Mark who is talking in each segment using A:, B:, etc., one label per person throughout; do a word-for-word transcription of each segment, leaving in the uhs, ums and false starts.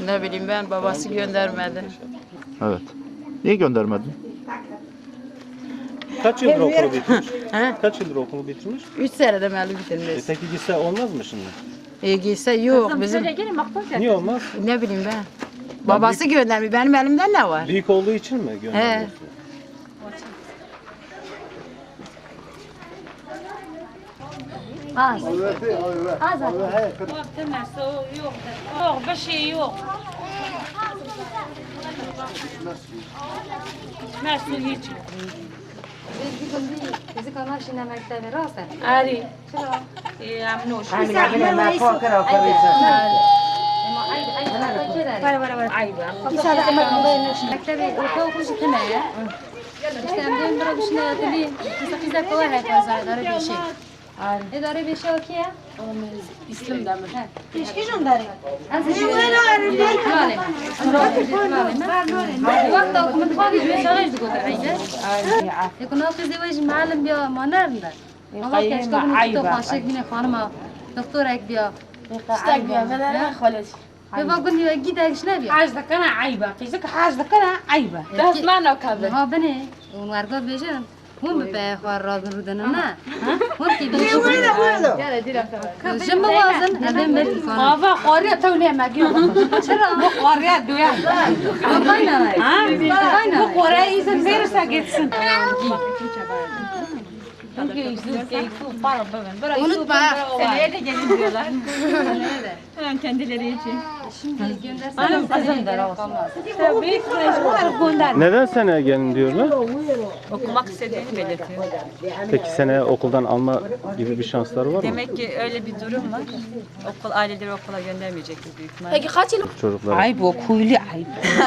A: Ne bileyim ben, babası göndermedi.
B: Evet. Niye göndermedin?
C: Kaç yıldır okulu bitirmiş?
A: He?
C: Kaç yıldır okulu bitirmiş?
A: Üç senede meli
C: E
A: bitirmiş.
C: peki gitse olmaz mı şimdi?
A: E giyse yok bizim.
C: Niye olmaz?
A: Ne bileyim ben. Babası göndermiyor. Benim elimden ne var?
C: Büyük olduğu için mi göndermiyorsun?
D: Az. Az.
E: Yok, yok, bir şey yok. Nasıl hiç?
D: Biz bir gün bir bizi kanal şimdi mektebe rastlar.
E: Ari. Amnuş.
D: Ama ay ay ay keder.
E: Var var var. Ay var.
D: Mektebe orta okul şekilde ya. İşte hem de bir düşüne yatılıyım. Mesela kızlar kolay hep azar darı bir şey. Ne darı bir şey o ki ya?
E: İslam da mı?
D: Keşke jondari. Az bir şey. Maalesef. Vakti okumak fazla bir şey değil koder. يكون في زواج معلم بيا ما نرنا والله كاش تقول تو خاشك بينا خانما دكتور هيك بيا
E: استاك بيا بدل خلاص.
D: بابا قول لي اكيد هيك شنو بيا
E: حاجتك انا عيبه قيسك حاجتك انا عيبه ده اسمعنا وكذا
D: ها بني ونرجع بيجن هم بيخوار راضن ردنا نا هم كي بيجي جنب وازن هذا ملك كان
E: بابا قريه توني ما جيو
D: شرا
E: قريه دويا
D: باينا
E: ها
D: باينا
E: قريه اذا verirse gitsin. Unutma. Seneye de gelin diyorlar. Hemen kendileri için.
D: şimdi göndersen
E: Anam kızımdır olsun. Tabii mecbur gönder.
C: Neden seneye gelin diyorlar?
F: Okumak istediğini belirtiyor.
C: Peki seneye okuldan alma gibi bir şansları var mı?
F: Demek ki öyle bir durum var. Okul aileleri okula göndermeyecektir büyük ihtimalle.
E: Peki kaç yıl?
C: Çocuklar.
E: Ay bu kuyulu ay.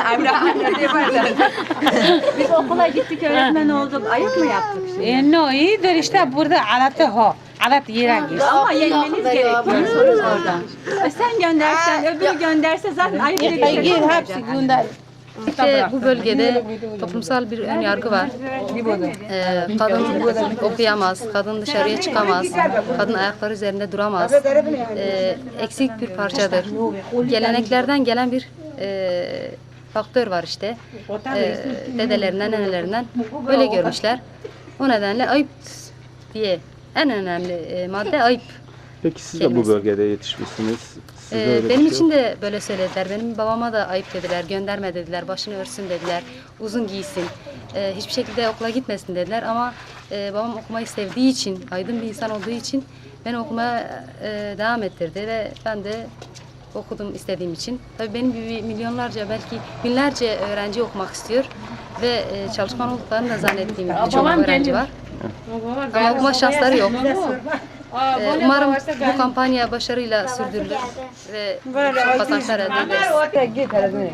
F: Biz okula gittik, öğretmen olduk. Ayıp mı yaptık şimdi?
E: E no iyidir işte burada alatı ho. Alat yere gir.
F: Ama yenmeniz gerekiyor oradan. E sen göndersen, öbürü gönderse zaten ayıp diye bir şey yok.
E: hepsi gönder.
D: İşte bu bölgede toplumsal bir ön yargı var. Ee, kadın okuyamaz, kadın dışarıya çıkamaz, kadın ayakları üzerinde duramaz. Ee, eksik bir parçadır. Geleneklerden gelen bir e, faktör var işte. Ee, dedelerinden, nenelerinden böyle görmüşler. O nedenle ayıp diye en önemli e, madde ayıp.
C: Peki siz de bu
D: kelimesi.
C: bölgede yetişmişsiniz. Sizde
D: Ee,
C: öyle bir
D: benim
C: şey
D: için
C: yok.
D: de böyle söylediler. Benim babama da ayıp dediler, gönderme dediler, başını örsün dediler, uzun giysin, ee, hiçbir şekilde okula gitmesin dediler. Ama e, babam okumayı sevdiği için, aydın bir insan olduğu için beni okumaya e, devam ettirdi ve ben de okudum istediğim için. Tabii benim gibi milyonlarca, belki binlerce öğrenci okumak istiyor ve e, çalışkan olduklarını da zannettiğim birçok öğrenci var. Ama okuma şansları yok. Ee, umarım bu kampanya başarıyla sürdürülür ve çok kazançlar elde ederiz.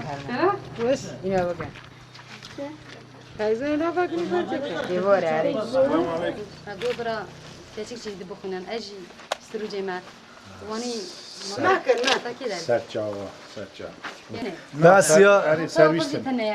D: Dobra, teşekkür ederim bu konudan. Aji, sürüceme. Vani,
G: Sertçava, sertçava.
D: بس
G: يا servis.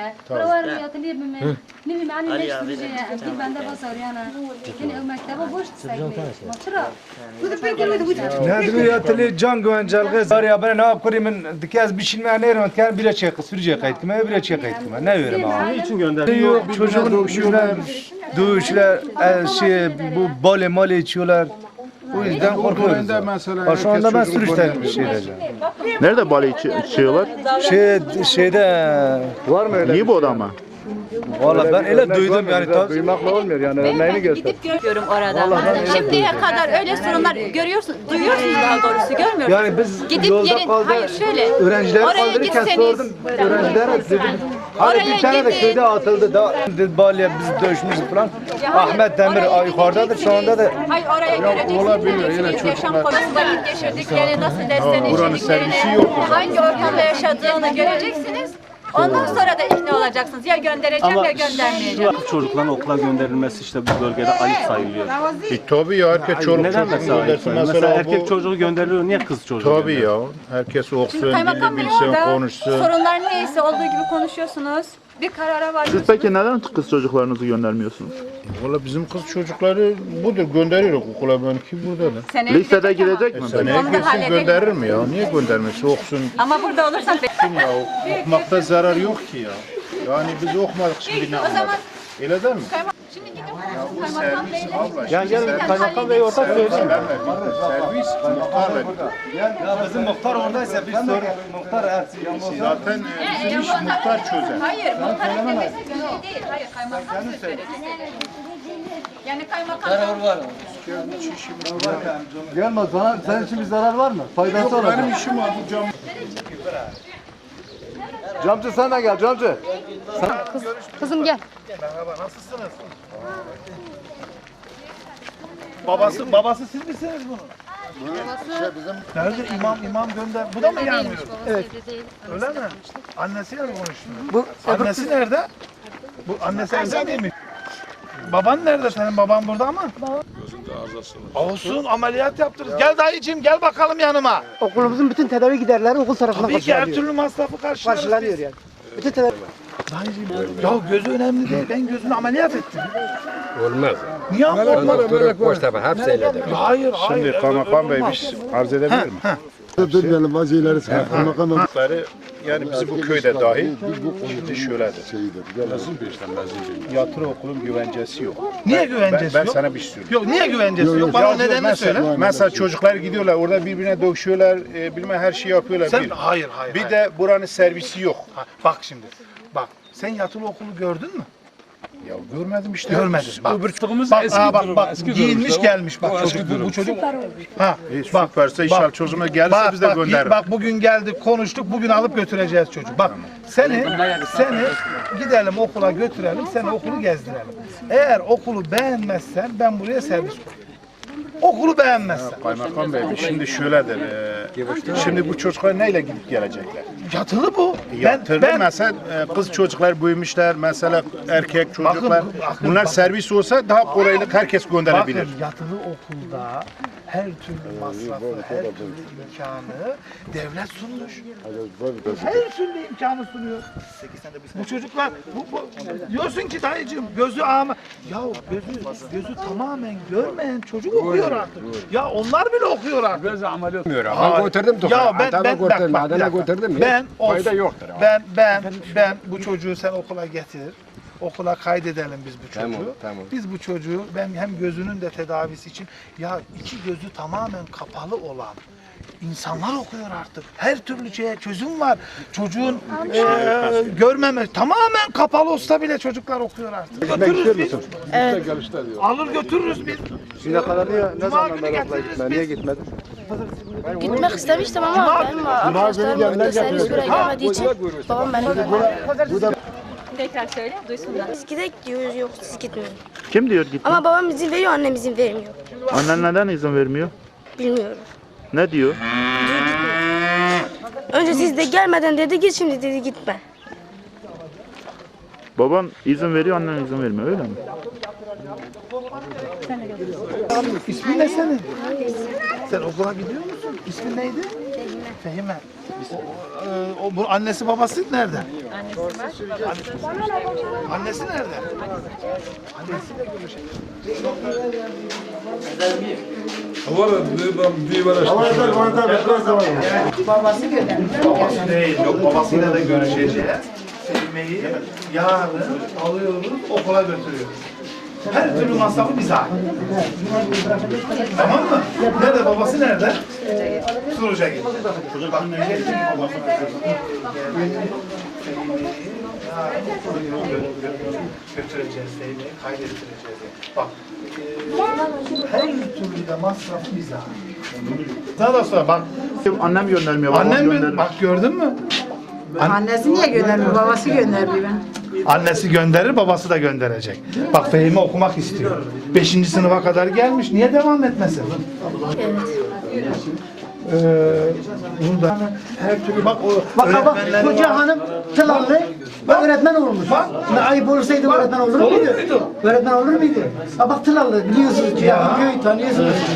G: نادر يا تلي جانجو انجل غز يا بنا ناب كوري من دكاز بيشين ما نيرون كان بلا شيء سوريا قايت كما بلا شيء قايت كما ناير ما
C: Niçin gönderdin?
G: Yok çocuğun şuna dövüşler şey bu bale male içiyorlar. O yüzden korkuyoruz. Şu anda ben sürüşten şey edeceğim.
B: Nerede bale içi- içiyorlar?
G: Şey şeyde var mı öyle?
B: Niye bu odama?
G: Valla ben öyle duydum yani tabii.
B: Duymakla olmuyor yani örneğini göster.
F: Gidip görüyorum orada. Şimdiye kadar öyle sorunlar görüyorsunuz, duyuyorsunuz daha doğrusu, görmüyor musunuz?
G: Yani biz
F: Gidip
G: yolda
F: gelin,
G: kaldı.
F: hayır şöyle,
G: Öğrenciler
F: oraya
G: kaldırırken
F: gitseniz,
G: sordum. Öğrenciler dedim. Hani
F: Oraya
G: bir tane de
F: gidin.
G: köyde atıldı da dedi Bali'ye biz dövüşmüşüz falan. Ahmet Demir yukarıdadır şu anda da.
F: hayır oraya göreceksiniz, yaşam konusu vakit geçirdiklerini, nasıl derslerini işlediklerini, hangi ortamda yaşadığını göreceksiniz. Ondan sonra da ikna olacaksınız. Ya göndereceğim
C: Ama
F: ya göndermeyeceğim.
C: şu çocukların okula gönderilmesi işte bu bölgede ayıp sayılıyor.
H: E, tabii ya herkes çocuk
C: Neden
H: çocuğunu
C: mesela ayıp
H: göndersin.
C: sayılıyor? Mesela
H: Mesela
C: erkek
H: bu
C: çocuğu gönderiliyor, niye kız çocuğu
H: tabii
C: gönderiliyor?
H: ya. Herkes
F: Şimdi
H: okusun,
F: kaymakam
H: dili
F: bey
H: bilsin,
F: orada
H: konuşsun.
F: sorunlar neyse olduğu gibi konuşuyorsunuz. bir karara
B: Siz
F: varıyorsunuz.
B: peki neden kız çocuklarınızı göndermiyorsunuz?
H: Valla bizim kız çocukları budur gönderiyoruz okula benimki burada da.
F: Seneye
B: Lisede
F: gidecek ama.
B: gidecek mi?
H: Seneye
F: Onu da
H: gitsin
F: halledelim.
H: gönderir mi ya? Niye göndermesi okusun
F: Ama burada olursan
H: ya? Okumakta zarar yok ki ya. Yani biz okumadık şimdi ne
F: o zaman
H: anladık? Öyle değil mi?
F: şimdi gidin kaymakam beyle.
H: Abla,
C: Yani gel kaymakam bey orada söyleyin.
H: servis muhtar veriyor.
G: Ya bizim muhtar oradaysa bir sorun. Muhtar hepsi.
H: Zaten e, bizim iş muhtar çözer.
F: Hayır, muhtarın demesi göre değil. Hayır, kaymakam söz verir. Yani kaymakam
G: Gelme sana, senin için bir zarar var mı? Faydası olacak.
H: Benim işim var bu cam.
G: Camcı sen de gel camcı.
D: Kız, kızım gel.
I: Babası babası siz misiniz bunun? Nerede imam imam gönder. Bu da mı gelmiyor?
D: Evet.
I: Öyle mi? Annesiyle mi konuştun? Bu annesi nerede? Bu annesi evde miymiş? Baban nerede senin? Baban burada mı? Olsun ameliyat yaptırırız. Gel dayıcığım gel bakalım yanıma.
J: Okulumuzun bütün tedavi giderleri okul tarafından
I: Tabii ki her
J: karşılanıyor.
I: türlü masrafı karşılarız
J: Karşılanıyor
I: biz.
J: yani. Bütün tedavi...
I: Dayıcığım ya gözü önemli değil. Ben gözünü ameliyat ettim.
K: Olmaz.
I: Niye olmaz?
K: Doktoru boş tabi hepsi eyledim.
I: Hayır hayır.
H: Şimdi kaymakam bey bir şey arz edebilir mi?
G: Durmayalım vaziyeleri sen.
H: Çocukları yani bizim bu köyde dahil şimdi şöyledir. Yatırı okulun güvencesi yok.
I: Niye
H: Ben,
I: güvencesi
H: ben
I: yok?
H: sana bir şey söyleyeyim.
I: Yok niye güvencesi yok?
H: Ya
I: Bana
H: diyor,
I: nedenini
H: mesela,
I: söyle.
H: mesela çocuklar gidiyorlar orada birbirine dövüşüyorlar, e, bilmem her şeyi yapıyorlar.
I: Sen
H: bir.
I: hayır hayır.
H: bir
I: hayır.
H: de buranın servisi yok.
I: Ha, bak şimdi. Bak sen yatılı okulu gördün mü?
H: Ya görmedim işte.
I: Görmedin. Bak.
K: Öbürtüğümüz
I: Bak, aa, bak, bak, giyinmiş gelmiş bak çocuk. Bu, bu çocuk. Ha,
H: E,
I: bak,
H: süperse inşallah çözüme gelirse
I: bak,
H: biz de
I: bak,
H: göndeririz.
I: bak bugün geldik konuştuk bugün alıp götüreceğiz çocuğu. Bak seni seni gidelim okula götürelim seni okulu gezdirelim. Eğer okulu beğenmezsen ben buraya servis koyayım. Okulu beğenmezsen.
H: Kaymakam bey şimdi şöyledir. E, şimdi bu çocuklar neyle gidip gelecekler?
I: Yatılı bu.
H: Yatırdı mesela e, kız çocuklar büyümüşler mesela erkek çocuklar.
I: bakın,
H: Bunlar
I: bakın.
H: servis olsa daha kolaylık herkes gönderebilir.
I: Bakın yatılı okulda her türlü masrafı, her türlü imkanı devlet sunmuş. Her türlü imkanı sunuyor. Bu çocuklar, bu, bu, diyorsun ki dayıcığım gözü ama ya gözü gözü tamamen görmeyen çocuk okuyor artık. Ya onlar bile okuyor artık.
K: Biraz ameliyat olmuyor.
I: Hayır.
K: Ben götürdüm doktora.
I: Ya ben
K: Adama
I: ben bak,
K: götürdüm.
I: bak,
K: Adana
I: bir dakika.
K: götürdüm mi?
I: Ben
K: Fayda
I: olsun.
K: yoktur. ama.
I: Ben ben ben bu çocuğu sen okula getir. Okula kaydedelim biz bu çocuğu.
K: Tamam, tamam.
I: Biz bu çocuğu ben hem gözünün de tedavisi için ya iki gözü tamamen kapalı olan insanlar okuyor artık. Her türlü şeye çözüm var. Çocuğun eee görmeme tamamen kapalı olsa bile çocuklar okuyor artık. Götürürüz biz.
J: Evet.
I: Alır götürürüz biz.
G: Şimdiye kadar niye, ne
I: Cuma
G: zaman
I: günü
G: ben okula
I: getiririz
G: gitmem?
I: biz.
G: Niye gitmedin?
J: Gitmek istemiştim ama benim arkadaşlarım burada servis buraya gelmediği için babam beni gönderdi.
F: tekrar söyle duysunlar.
J: Biz gidek diyoruz yok siz gitmeyin.
B: Kim diyor gitme?
J: Ama babam izin veriyor annem izin vermiyor.
B: Annen neden izin vermiyor?
J: Bilmiyorum.
B: Ne diyor?
J: Diyor gitme. Önce siz de gelmeden dedi git şimdi dedi gitme.
B: Baban izin veriyor, annen izin vermiyor öyle mi?
I: İsmin ne senin? Sen okula gidiyor musun? İsmin neydi? Fehime. Fehime. O, e, o, bu annesi babası nerede? Annesi var. Annesi nerede? Annesiyle görüşelim.
A: Babası göndermiş.
I: Babası değil, yok babasıyla da görüşeceğiz. Fehme'yi yarın alıyoruz, okula götürüyoruz. Her türlü masrafı bize ait. Tamam mı? Nerede babası nerede? Suruca git. Bak, götüreceğiz, Fehme'yi kaydettireceğiz. Bak, her türlü de masrafı bize ait. Daha da sonra bak,
B: Annem göndermiyor, babam
I: annem
B: gönderir.
I: mi? Bak gördün mü?
A: Annesi niye göndermiyor? Babası gönderdi ben.
I: Annesi gönderir, babası da gönderecek. Bak Fehmi okumak istiyor. Beşinci sınıfa kadar gelmiş. Niye devam etmesin? Ee, bunu da her türlü bak o
J: Bak bak
I: öğretmenler
J: koca
I: var.
J: hanım tılallı öğretmen olmuş.
I: Bak.
J: Ne ayıp olursaydı öğretmen olur
I: Olur
J: muydu?
I: muydu?
J: Öğretmen olur muydu? Ha bak tılallı biliyorsunuz ki ya. Köyü tanıyorsunuz.